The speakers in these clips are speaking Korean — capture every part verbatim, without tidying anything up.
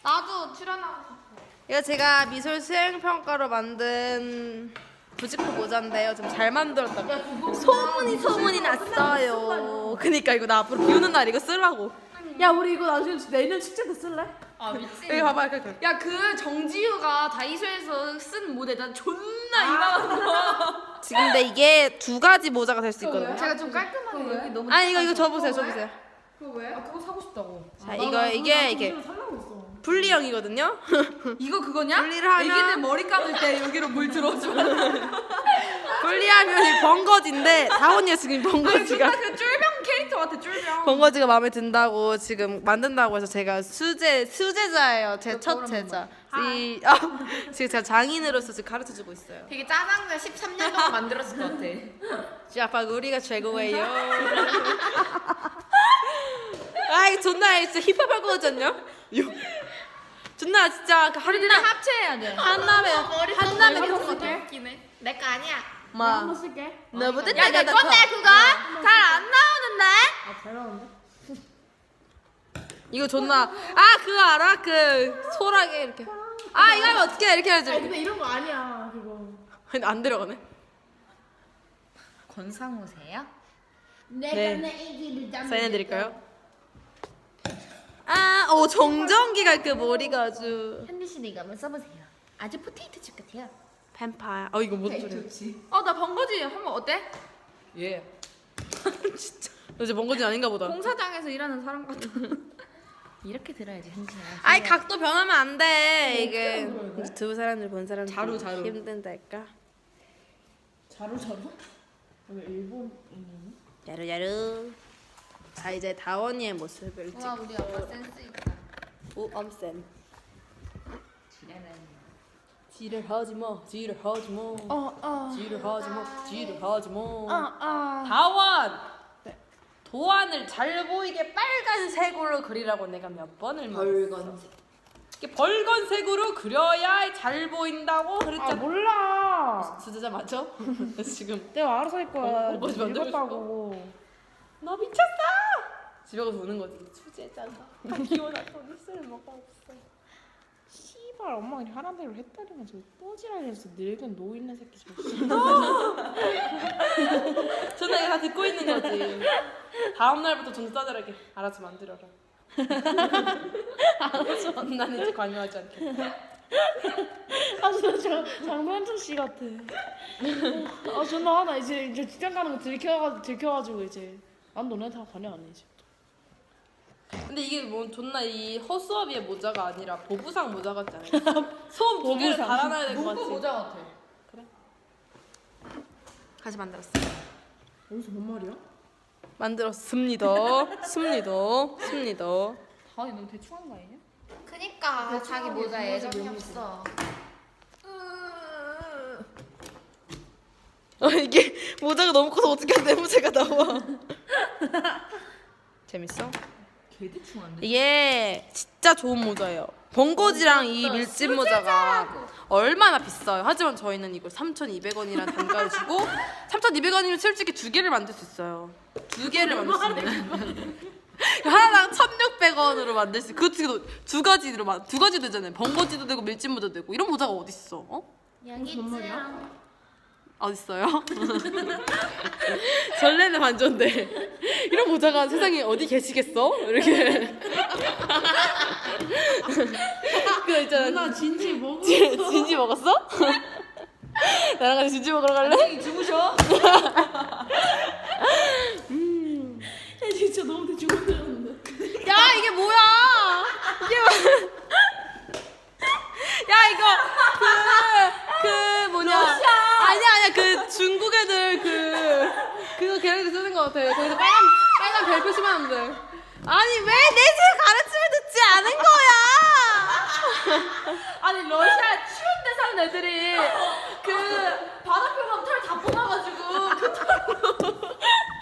나도 출연하고 싶어. 이거 제가 미술 수행평가로 만든 부직포 모자인데요. 좀 잘 만들었다고 소문이 소문이 났어요. 그니까 이거 나 앞으로 비 오는 날 이거 쓰려고. 야 우리 이거 나중에 내년 축제 때 쓸래? 아 미친. 여기 봐봐. 이렇게. 야 그 정지우가 다이소에서 쓴 모델 난 존나 이만한 거. 지금 근데 이게 두 가지 모자가 될 수 있거든요. 제가 좀 깔끔하게 여기 너무. 아니 이거 이거 줘보세요. 줘보세요. 그거 왜? 아 그거 사고 싶다고. 자 이거 이게 이게 살라고 했어. 분리형이거든요. 이거 그거냐? 분리를 하면- 애기들 머리 감을 때 여기로 물 들어줘. 분리하면 이 번거지인데 다원이가 지금 번거지가 그 쫄병 캐릭터 같아 쫄병. 번거지가 마음에 든다고 지금 만든다고 해서 제가 수제 수제자예요. 제 첫 제자. 이 아, 지금 제가 장인으로서 지금 가르쳐 주고 있어요. 되게 짜장면 십삼 년 동안 만들었을 것 같아. 아빠 우리가 최고예요. 아 이거 존나 진짜 힙합할 거 같지 않냐? 존나 진짜 그 우리들은 한남 합체해야 돼. 한남에 한남에 머리 계속 쓸게. 웃기네. 내 거 아니야. 마 한번 쓸게. 너보다 야 내 내가 건데 더 그거 잘 안 나오는데. 아잘 나오는데? 이거 존나 아 그거 알아? 그 소라게 이렇게 아 이거 하면 어떻게 해? 이렇게 해야지. 아니 근데 이런 거 아니야 그거. 근데 안 들어가네. 권상우세요? 네. 사인해드릴까요? 아, 오 정전기가 그 머리가 아주 현디 씨도 이거 한번 써보세요. 아주 포테이토 칩 같아요. 뱀파야. 어 이거 무슨 소리야? 어나 번거지 한번 어때? 예. 진짜. 너 이제 먼거지 아닌가 보다. 공사장에서 일하는 사람 같아. 이렇게 들어야지 현진아. 아이 각도 변하면 안 돼. 이게 두 사람들 본 사람들 자루, 자루. 힘든달까? 자루 자루? 여기 일본 있는. 야루야루. 자 이제 다원이의 모습을 와 찍고 우리 아빠 센스 있다. 오 엄쌤. 지레는. 지를 하지 마. 지를 하지 마. 어 어. 지를 하지 마. 지를 하지 마. 아 아. 다원. 도안을 잘 보이게 빨간색으로 그리라고 내가 몇 번을 말했어. 벌건색. 이게 벌건색으로 그려야 잘 보인다고 아 그랬잖아. 몰라. 수제자 맞죠? 지금 내가 알아서 할 거야. 어, 뭐지, 만들고 읽었다고. 너 미쳤어! 집에 가서 우는 거지. 수제자가 다 키워놨더니 쓸모가 없어. 씨발 엄마가 그냥 하란 대로 했다니만 저또 지랄해서 늙은 노 있는 새끼 저거. 전화 다 듣고 있는 거지. 다음 날부터 좀 싸늘하게 알아서 만들어라. 알아서 나는 이제 관여하지 않겠다. 아 진짜 저 장면준 씨 같아. 아 존나 하나 이제 이제 직장 가는 거 들켜가 들켜가지고 이제 난 너네 다 관여 안 해 이제. 근데 이게 뭐 존나 이 허수아비의 모자가 아니라 보부상 모자 같지 않아요? 소음 두 개를 달아놔야 될 것 같지. 모자 같아. 다시 만들었어. 여기서 뭔 말이야? 만들었습니다. 습니다. 습니다. 다원이 너무 대충 한 거 아니냐? 그니까 자기 모자에 애정이 없어. 아 이게 모자가 너무 커서 어떻게 내모자가 나와. 재밌어? 개 대충 한데. 이게 진짜 좋은 모자예요. 번거지랑 이 밀짚 모자가 얼마나 비싸요. 하지만 저희는 이걸 삼천이백 원이라는 단가를 주고 삼천이백 원이면 솔직히 두 개를 만들 수 있어요. 두 개를 만들 수 있는. 하나당 천육백 원으로 만들 수. 그것도 두 가지로 만- 두 가지 되잖아요. 번거지도 되고 밀짚 모자도 되고 이런 모자가 어디 있어? 어? 뭔 말이야? 어딨어요? 설레는 반전데 이런 모자가 세상에 어디 계시겠어? 이렇게 그거 있잖아. 나 진지 먹어. 진- 진지 먹었어? 나랑 같이 진지 먹으러 갈래? 안녕히 주무셔. 야 진짜 너무 대충 만들었는데. 야 이게 뭐야? 이게 뭐? 야 이거 그, 그 뭐냐? 아니야 아니야 그 중국 애들 그 그거 걔네들 쓰는 거 같아. 거기서 빨간 빨간 별 표시만 하면 돼. 아니 왜 내 집 가르침을 듣지 않은 거야? 아니 러시아 추운 데 사는 애들이 그 바닷표만 털 다 뽑아가지고 그 털로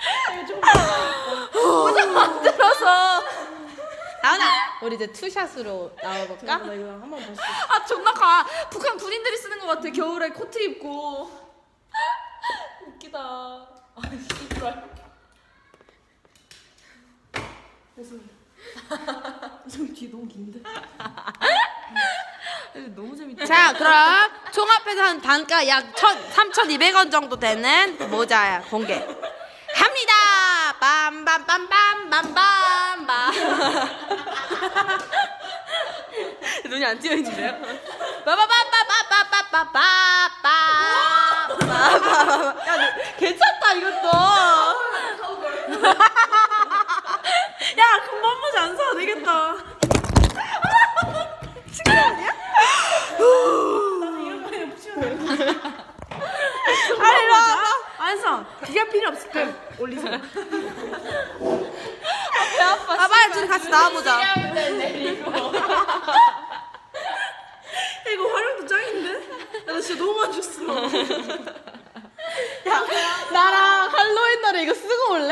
모자 만들어서. 나훈아 우리 이제 투샷으로 나와볼까? 나 이거 한 번 봤어. 아 존나 가. 북한 군인들이 쓰는 것 같아. 겨울에 코트 입고. 웃기다. 아 씨발. 그래서 좀 뒤 너무 긴데. 자, 그럼 총합해서 한 단가 약 삼천이백 원 정도 되는 모자 공개 합니다. 빰빰빰빰빰빰빰. 눈이 안 띄어 있는데요? 빠바바바바바바바바바. 야, 괜찮다 이것도. 야 금방 모자 안 사도 되겠다. 나는 이런 거 그냥 붙이면 돼. 아니, 일로 와봐. 안써 기가 필요 없을 때 올리세요. 배 아파. 아, 빨리 둘이 같이 나와보자. 이거 활용도 짱인데? 나 진짜 너무 안 줬어. 나랑 할로윈 날에 이거 쓰고 올래?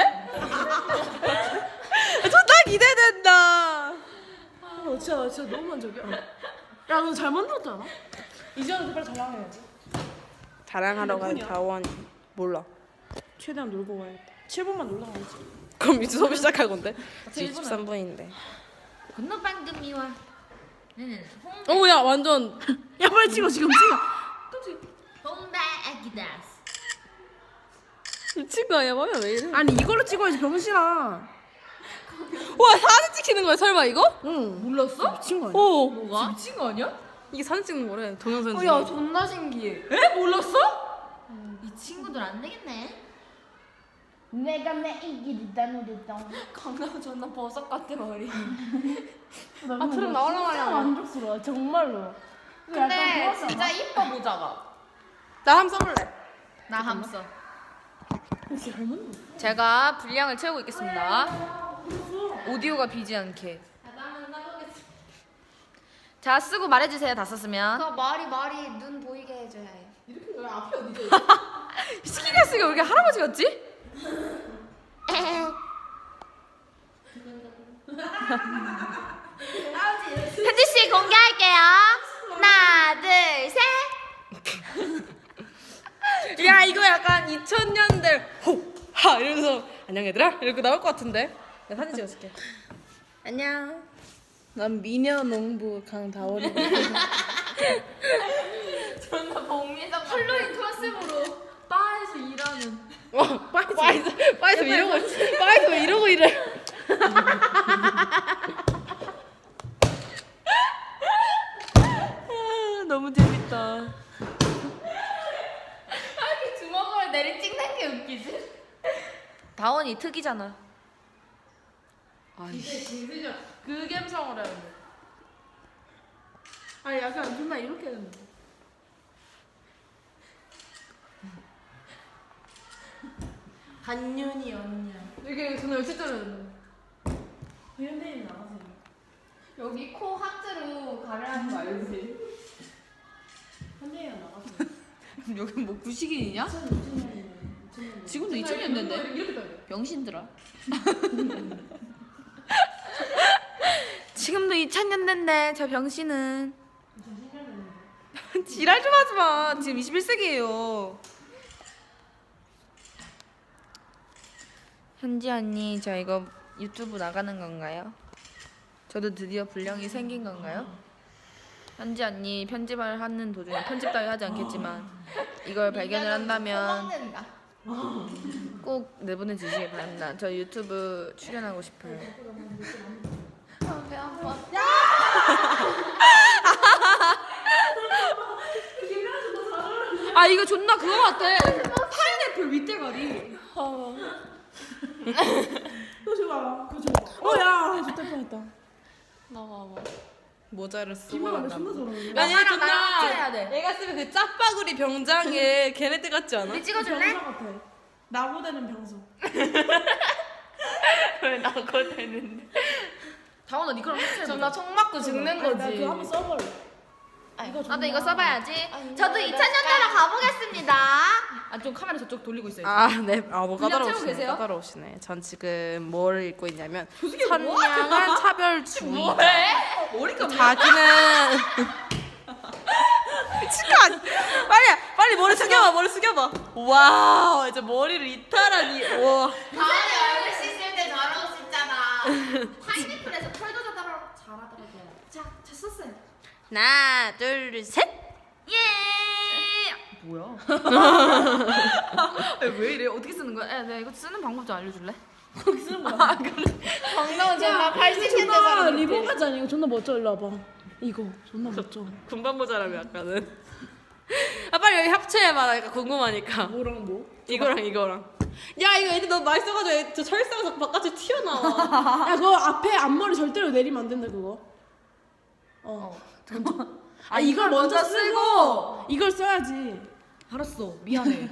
존나 기대된다. 아, 진짜 나 진짜 너무 만족이야. 야, 너 잘 만들었지 않아? 이제는 빨리 자랑해야지. 자랑하러 간 다원이 몰라. 최대한 놀고 와야겠다. 칠 분만 놀다 가야지. 그럼 이제 수업 시작할 건데. 칠 지금 십삼 분인데. 건너 방금이와 나는 오, 야, 완전. 야, 빨리 찍어, 지금 찍어. 홍다 아기다스. 미친 거 아니야? 마음이 왜 이래? 아니, 이걸로 찍어야지, 병신아. 와, 사진 찍히는 거야, 설마 이거? 응. 몰랐어? 미친 거 아니야? 오. 뭐가? 미친 거 아니야? 이게 사진 찍는 거래. 동영상 어, 찍는 야 거. 존나 신기해. 에? 몰랐어? 이 친구들 안 되겠네. 내가 내 이기리다 노렸다. 강남 존나 버섯 같아 머리. 아, 트름 나오려고 진짜 하려고. 만족스러워, 정말로. 근데 진짜 이뻐 모자가. 나 한번 써볼래. 나 함써. 진짜 잘 만들었어. 제가 분량을 채우고 있겠습니다. 오디오가 비지 않게. 자 쓰고 말해주세요. 다 썼으면. 그 머리 머리 눈 보이게 해줘야 해. 스키가 쓰기가 왜 이렇게 할아버지 같지? 현지 씨 공개할게요. 하나, 둘, 셋. 야, 이거 약간 이천 년대 호하 이러면서 안녕 얘들아 이렇게 나올 것 같은데. 내가 사진 찍어줄게. 안녕. 난 미녀 농부 강다원이. 존나 복미성 할로윈 컨셉으로 바에서 일하는. 어, 빠이스 빠이스 빠이스 왜 이러고 빠이스 왜 이러고 이래? 너무 재밌다. 이렇게 주먹을 내리 찍는 게 웃기지? 다원이 특이잖아. 그 감성을 해야 돼. 아니, 약간 존나 이렇게 했는데. 한윤이 언니야. 이게 존나 열심히 현대인 나가세요. 여기 코 하트로 가려는 거 알지? 현대인 나가세요. 여기 뭐 구식인이냐? 지금도 이천 년대인데? 병신들아. 지금도 이천 년대인데 저 병신은. 지랄 좀 하지 마. 지금 이십일 세기예요. 현지 언니 저 이거 유튜브 나가는 건가요? 저도 드디어 분량이 생긴 건가요? 현지 언니 편집을 하는 도중에 편집 따위 하지 않겠지만 이걸 발견을 한다면 먹는다. 꼭 내보내 주시기 바랍니다. 저 유튜브 출연하고 싶어요. 아, 배 아파. 아 이거 존나 그거 같아. 파인애플 밑대가리. 그거 줘봐. 그거 줘봐. 어, 야, 좋다 뻔했다. 나와봐. 모자를 쓰고 김나가 난다. 존나 잘하네. 아니 나랑 나랑 합쳐야 존나 돼. 얘가 쓰면 그 짜파구리 병장에 걔네들 같지 않아? 우리 찍어줄래? 병사 같아. 나고되는 병수. 왜 나고 되는데? 다원아 니 그럼 합쳐야 존나 총 맞고 죽는 아니, 나 거지. 그거 한번 써볼래. 이거 나도 이거 써봐야지. 저도 이천 년대로 가보겠습니다. 아 좀 카메라 저쪽 돌리고 있어야지. 아, 네. 아, 뭐 분량 채우고 까다로우시네. 계세요? 까다로우시네. 전 지금 뭘 읽고 있냐면 선량한 차별주의. 머리가 자기는 미친 거 아니야? 빨리 빨리 머리 숙여봐. 머리 숙여봐. 와우, 이제 머리를 이탈하니. 와. 다음에 얼굴 씻을 때 저러고 씻잖아. 파인애플에서 털도 잘하더라고요. 자, 잘 썼어요. 하나, 둘, 셋. 뭐야? 왜 이래? 어떻게 쓰는 거야? 야, 내가 이거 쓰는 방법 좀 알려줄래? 정답은 정말 팔십 년 존나 대사람. 리본 같지 않아? 이거 존나 멋져. 일로 와봐. 이거 존나 멋져. 군반 모자라면 약간은. 아 빨리 여기 합체해봐. 나 약간 궁금하니까. 뭐랑 뭐? 이거랑 이거랑. 야 이거 애들 너무 많이 써가지고 애- 저 철사가 자꾸 바깥에 튀어나와. 야 그거 앞에 앞머리 절대로 내리면 안 된다 그거. 어. 아 이걸 먼저 쓰고 이걸 써야지. 알았어. 미안해.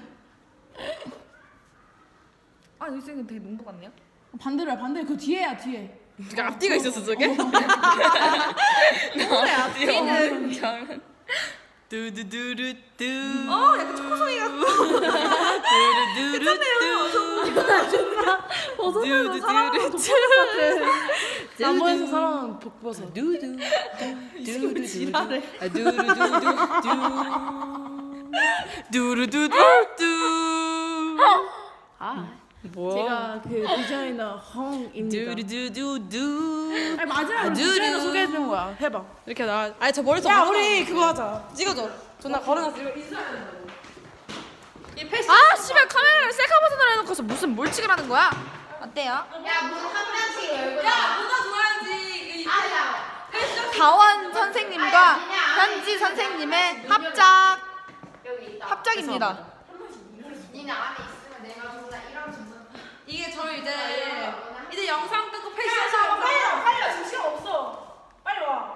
아, 이 쌤은 되게 농부 같네요. 반대로 해 반대. 그 뒤에야 뒤에. 그러니까 앞뒤가 있었어 저게? 앞뒤는 잘. 두두두루뚜. 어, 약간 초코송이 같고. 두두두루뚜. 버섯은 사랑하는 독버섯 같아. 나무에서 사랑하는 독버섯. 두두. 두두 지랄해. 두루두두두. 두루두두두. 아. 뭐? 제가 그 디자이너 헝입니다. 두루두두두. 아니 마지막으로 두루. 디자이너 소개해주는 거야. 해봐. 이렇게 나. 아니 저 머릿속. 야 하나 우리 없어. 그거 하자. 찍어줘. 존나 걸어놨어. 이거 인사해야 된다고. 이 패션. 아, 씨발 카메라를 셀카 버튼으로 해놓고서 무슨 뭘 찍으라는 거야? 어때요? 야, 문 한 명씩 열고. 야 모자 줘야지. 아, 야. 다원 선생님과 현지 선생님의 합작 여기 있다. 합작입니다. 니네 안